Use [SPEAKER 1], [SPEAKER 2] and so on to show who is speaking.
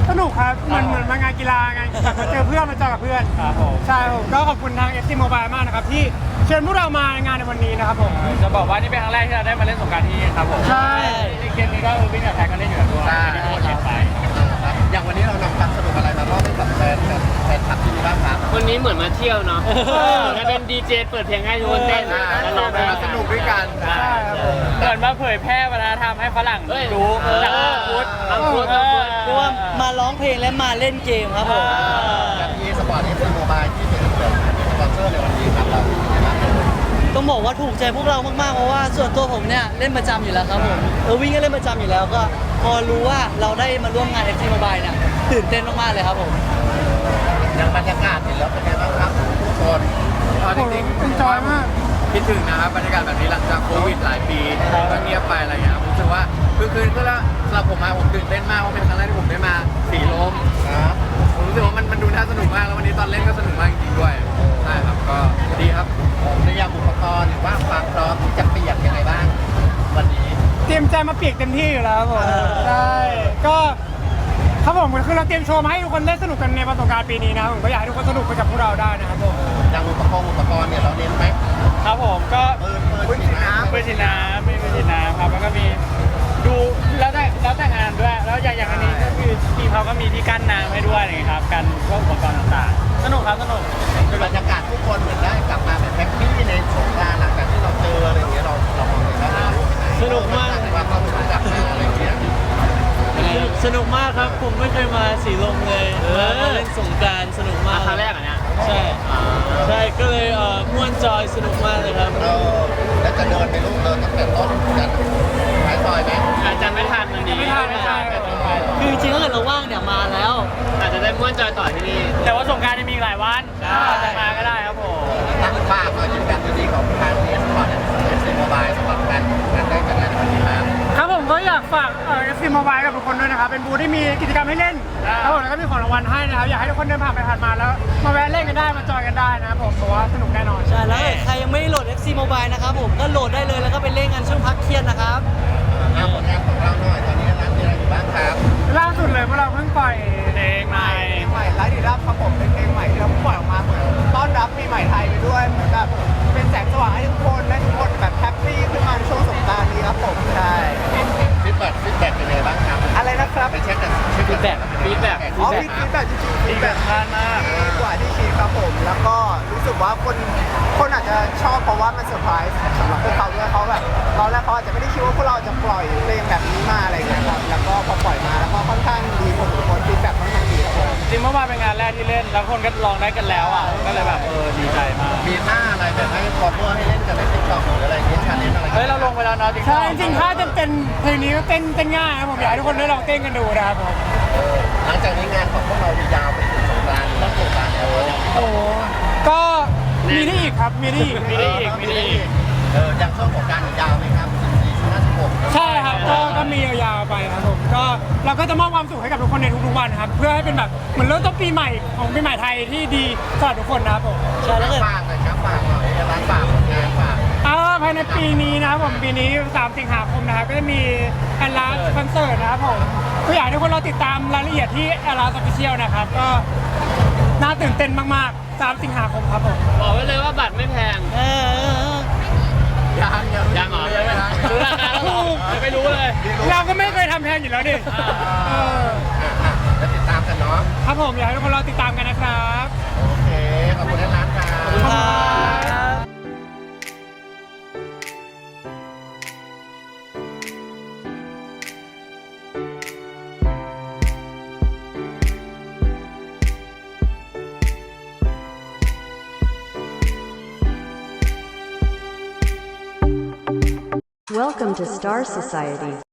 [SPEAKER 1] สนุกครับเหมือนมางานกีฬาไงมาเจอเพื่อนมาเจอกับเพื่อน
[SPEAKER 2] ครับผม
[SPEAKER 1] ใช่ผมก็ขอบคุณทาง FC Mobile มากนะครับที่เชิญพวกเรามางานในวันนี้นะครับผม
[SPEAKER 2] จะบอกว่านี่เป็นครั้งแรกที่เราได้มาเล่นสงกรานต์ที่นี่ครับผม
[SPEAKER 1] ใช่
[SPEAKER 2] ในเกมนี้ก็วิ่งกับแท็กก็เล่นอยู่แล้วด้วยที่ทุกคนเห็นไป
[SPEAKER 3] อย่างวันนี้เรานำความสนุกอะไรมามอบให้กับแฟนคลับที่นี่บ้างครับ
[SPEAKER 4] วันนี้เหมือนมาเที่ยวเนาะแล้วเป็นดีเจเปิดเพลงให้ทุกคนเต้นแล้วร้องเพลง
[SPEAKER 3] มาสนุกด้วยกัน
[SPEAKER 1] ใช่ครับผม
[SPEAKER 2] เหมือนมาเผยแพร่วัฒนธรรมให้ฝรั่งรู้จากพุทธ
[SPEAKER 4] เพราะว่ามาร้องเพลงและมาเล่นเกมครับผม
[SPEAKER 3] กับที่สปอร์ตFC Mobile ที่เป็นสปอนเซอร์ในวันนี้ครับเรา
[SPEAKER 4] ต้องบอกว่าถูกใจพวกเรามากๆเพราะว่าส่วนตัวผมเนี่ยเล่นประจำอยู่แล้วครับผมวิ่งก็เล่นประจำอยู่แล้วก็พอรู้ว่าเราได้มาร่วมงาน FC Mobile เนี่ยตื่นเต้นมากๆเลยครับผม
[SPEAKER 3] อย่างบรรยากาศเห็นแล้วเป็นไงบ้างครับทุกคน
[SPEAKER 1] จริงๆจอยมาก
[SPEAKER 2] คิดถึงนะครับบรรยากาศแบบนี้หลังจากโควิดหลายปีก็เงียบไปอะไรเงี้ยผมรู้สึกว่าคืนก็แล้วสำหรับผมมาผมตื่นเต้นมากเพราะเป็นครั้งแรกที่ผมได้มาสีลม
[SPEAKER 3] ครับ
[SPEAKER 2] ผมรู้สึกว่ามันดูน่าสนุกมากแล้ววันนี้ตอนเล่นก็สนุกมากจริงๆด้วยใช่ครับก็ดีครับ
[SPEAKER 3] ในยามอุปกรณ์หรือว่าความพร้อมที่จะเปียกยังไงบ้างวันนี้
[SPEAKER 1] เตรียมใจมาเปียกเต็มที่อยู่แล้วครับผมใช่ก็ครับผมคือเราเตรียมโชว์มาให้ทุกคนได้สนุกกันในวันสงกรานต์ปีนี้นะครับผมก็อยากให้ทุกคนสนุกไปกับพวกเราได้นะครับผม
[SPEAKER 3] อย่างอุปกรณ์เนี่ยเราเน้นไหม
[SPEAKER 2] ครับผมก็
[SPEAKER 3] ปืนฉีดน้ำ
[SPEAKER 2] ปืนฉีดน้ำครับแล้วก็มีดูแล้วแต่งานด้วยแล้วอย่างอันนี้ก็คือทีมเขาก็มีที่กั้นน้ำให้ด้วยอะไรครับกันพวกอุปกรณ์ต่างๆสนุกครับสนุก
[SPEAKER 3] บรรยากาศทุกคนเหมือนได้กลับมาแบบแฮปปี้ในสงกรานต์หลังจากที่เราเจออะไรอย่างเงี้ยเรามองเลยว่า
[SPEAKER 4] สนุกมาก
[SPEAKER 3] ว่าเราถึงกลับมาอะไรอย่างเงี้ย
[SPEAKER 4] สนุกมากครับผมไม่เคยมาสีลมเลยมาเล่นสงกรานต์สนุกมาก
[SPEAKER 2] ครั้งแรกอ่ะเนี่ย
[SPEAKER 4] ใช่ก็เลยม่วนจอยสนุกมากเลยครับ
[SPEAKER 3] แล้วจะเดินไปลูกเดินตั้งแต่ต้นกันท้ายซอยไหม
[SPEAKER 2] อาจจะไม่ทันวันนี้
[SPEAKER 1] ไม่ทัน
[SPEAKER 4] คือจริงๆถ้าเกิดเราว่างเนี่ยมาแล้ว
[SPEAKER 2] อาจจะได้ม่วนจอยต่อที่นี่แต่ว่าสงกรานต์จะมีหลายวันจะมาก็ได้ครับผม
[SPEAKER 3] ตั้งฝากก็ยืนยันดีของทางเอสปอร์ตFC Mobile สำหรับการได้จัดงานในวันนี้
[SPEAKER 1] ครับผมก็อยากฝากFC Mobile กับทุกคนด้วยนะครับเป็นบูธที่มีกิจกรรมให้เล่นครับผมแล้วก็มีของรางวัลให้นะครับอยากให้ทุกคนเดินผ่านไปผ่านมาแล้วมาแวะเล่นกันได้มาจอยกันได้นะครับผมเพราะว่าสนุกแน่นอน
[SPEAKER 4] ใช่แล้วใครยังไม่โหลด FC Mobile นะครับผมก็โหลดได้เลยแล้วก็ไปเล่นกันช่วงพักเที่ยงนะครับ
[SPEAKER 3] ผลงานของเราหน่อยตอนนี้ร้านมีอะไรอยู่บ้างครับ
[SPEAKER 1] ล่าสุดเลยพวกเราเพิ่งปล่อย
[SPEAKER 2] เพลงใหม่
[SPEAKER 5] ไลฟ์ดีรับครับผมเป็นเพลงใหม่ที่เราปล่อยออกมาเหมือนต้อนรับปีใหม่ไทยไปด้วยเหมือนแบบเป็นแสงสว่างให้ทุกคนและทุกคนแบบแฮปปี้ขึ้นมาในช่วงสงกรานต์นี้ครับผมใช่
[SPEAKER 3] ฟีดแบ็กเป็นไงบ้างครับ
[SPEAKER 5] อะไรนะครับ
[SPEAKER 3] ไปเช็คกัน
[SPEAKER 2] ฟีดแบ็ก
[SPEAKER 5] ฟีดแบ็กจริงๆฟีดแบ็ก
[SPEAKER 2] มาก
[SPEAKER 5] กว่าที่คิดครับผมแล้วก็รู้สึกว่าคนอาจจะชอบเพราะว่ามันเซอร์ไพรส์สำหรับพวกเขาด้วยเขาแบบตอนแรกเขาอาจจะไม่ได้คิดว่าพวกเราจะปล่อยเพลงแบบนี้มาอะไรอย่างเงี้ยครับแล้วก็พอปล่อยมาแล้วก็ค่อนข้างดีผมทุกคนฟีดแบ็กค่อนข้างดีครับผม
[SPEAKER 2] จริงเมื่อวานเป็นงานแรกที่เล่นแล้วคนก็ลองได้กันแล้วอ่ะก็เลยแบบดีใจมาก
[SPEAKER 3] มีหน้าอะไรแบบให้คอมเมอร์ให้เล่นกันในติ๊กต็อกหรืออะไรเงี้ยชาเลนจ์อะไร
[SPEAKER 2] เฮ้ยเราลงไปแล้วเนาะ
[SPEAKER 1] ใช่จริงๆถ้าจะเป็นเพลงนี้ก็เต้นง่ายครับผมอยากให้ทุกคนได้ลองเต้นกันดูนะครับผม
[SPEAKER 3] หลังจากนี้งานของพวกเรายาวไปถึงสงกรานต์ต้องสงกรานต์แล้ว
[SPEAKER 1] โอ้ก็มีได้อีกครับมีได้อีก
[SPEAKER 3] อย่างช่วงสงกรานต์ยาวไหมครับ14-16
[SPEAKER 1] ใช่ครับก็มียาวๆไปครับผมก็เราก็จะมอบความสุขให้กับทุกคนในทุกๆวันครับเพื่อให้เป็นแบบเหมือนเริ่มต้นปีใหม่ของปีใหม่ไทยที่ดีสำหรับทุกคนนะครับผม
[SPEAKER 3] ใช่แล้วฝากเลยครับฝากหน่อยร้านฝากงานฝาก
[SPEAKER 1] ภายในปีนี้นะครับผมปีนี้3 สิงหาคมนะครับก็จะมีแอนลาสคอนเสิร์ตนะครับผมก็อยากให้ทุกคนเราติดตามรายละเอียดที่แอนลาสออฟฟิเชียลนะครับก็น่าตื่นเต้นมากๆ3 สิงหาคมครับผม
[SPEAKER 4] บอกไว้เลยว่าบัตรไม่แพง
[SPEAKER 2] ยังเหรอรู้ราคาแล้วไม่รู้เลย
[SPEAKER 1] เราก็ไม่เคยทำแพงอยู่แล้วดิ
[SPEAKER 3] แล้วติดตามกันเนาะ
[SPEAKER 1] ครับผมอยากให้ทุกคนเราติดตามกันนะครับ
[SPEAKER 3] โอเคขอบคุณร้านครับ
[SPEAKER 6] Welcome to Star Society.